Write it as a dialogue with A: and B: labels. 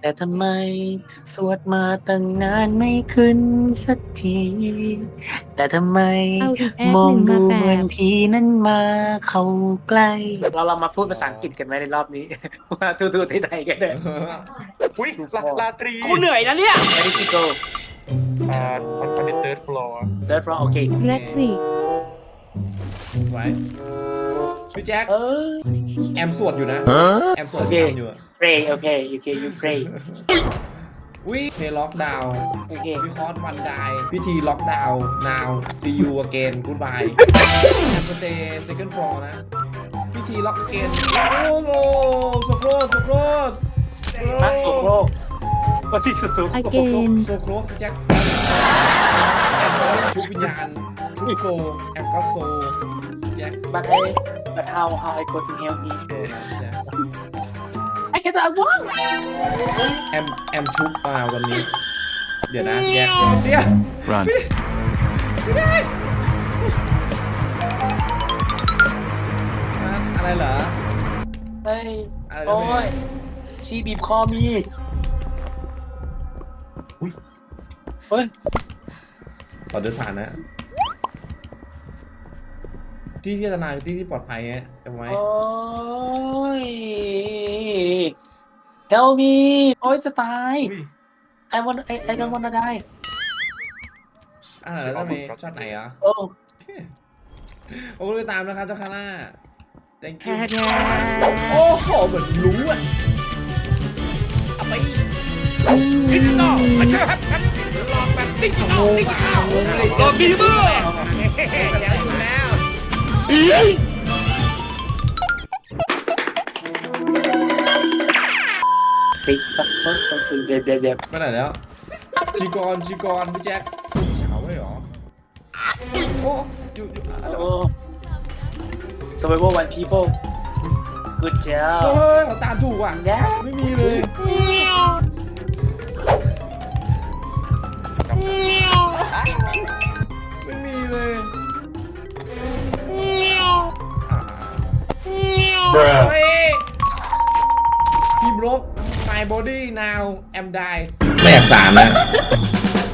A: แต่ทำไมสวดมาตั้งนานไม่ขึ้นสักที แต่ทำไม
B: เอาอีกแอ
A: มอง
B: ปหนึ่งมา
A: ดู
B: แป
A: เหมือน
B: บ
A: ผีนั้นมาเข้าใกล้เรามาพูดภาษาอังกฤษกันไหมในรอบนี้ ว่าทูที่ไหนกันเนี่ย
C: อุ้ยลาตรี
A: กูเหนื่อยนะเนี่ย Where did she go
C: มันเป็น third floor
A: Third floor โอเค
B: แลคริก
D: ไว้พี่แจ็ค
A: เออ
D: แอมสวดอยู่นะ แอมสวด
A: โอเค
D: ทำอยู่อะ
A: pray โอเค okay you pray
D: วิเพลล็อกดาวน์
A: โอเค
D: วิคอร์สวันไดพิธีล็อกดาวน์ now see you again goodbye แอมสเตย์ second floor นะ พิธีล็อกเกนโอ้โห so close so close
A: มาโซโครกวันที่สุด
B: อเกน
D: so close พี่แจ็คแอมชุบวิญญาณชุบโซแอมก็โซพี่แจ็ค
A: but how I go to help me
D: โซนะพี่แจ็ค
A: I get that one
D: แอมชุบมาวันนี้ เดี๋ยวนะแยกเดี๋ยว
E: Run.
D: ไม่ได้อะไรเหรอ
A: เฮ้ย
D: อะไร
A: โอ้
D: ไม่
A: ยชีบีบคอมี
C: อุ้ย
A: เฮ้ย
D: ขอเดินผ่านนะ ที่ที่อันตรายที่ที่ปลอดภัยฮะจำไว้
A: โอ้ย help me โอ้ยจะตาย
C: อุ้ย
A: I don't wanna die
D: แล้วทำไมช็อตไหนอ่ะ
A: โอ้
D: โอ้ไปตามนะครับเจ้าคาร่า thank you โอ้โหเหมือนรู้อ่ะเอาไปดิจิตอลมาเชื่อครับหลอกแบบดิจิตอลหลอกดิจิตอลแล้ว
A: ปิดสักคนเดี๋ยว
D: ไปไหนแล้วชีกรพี่แจ็คเฉาไว้หรอโอ้อยู่
A: โอ้ survival one people good
D: เฮ้
A: job
D: ยเขาตามถูกว่ะ
A: yeah
D: ไม่มีเลยไม่มีเลยเฮ้ยพี่บล็อก my body now am die ไม่อยากสารนะ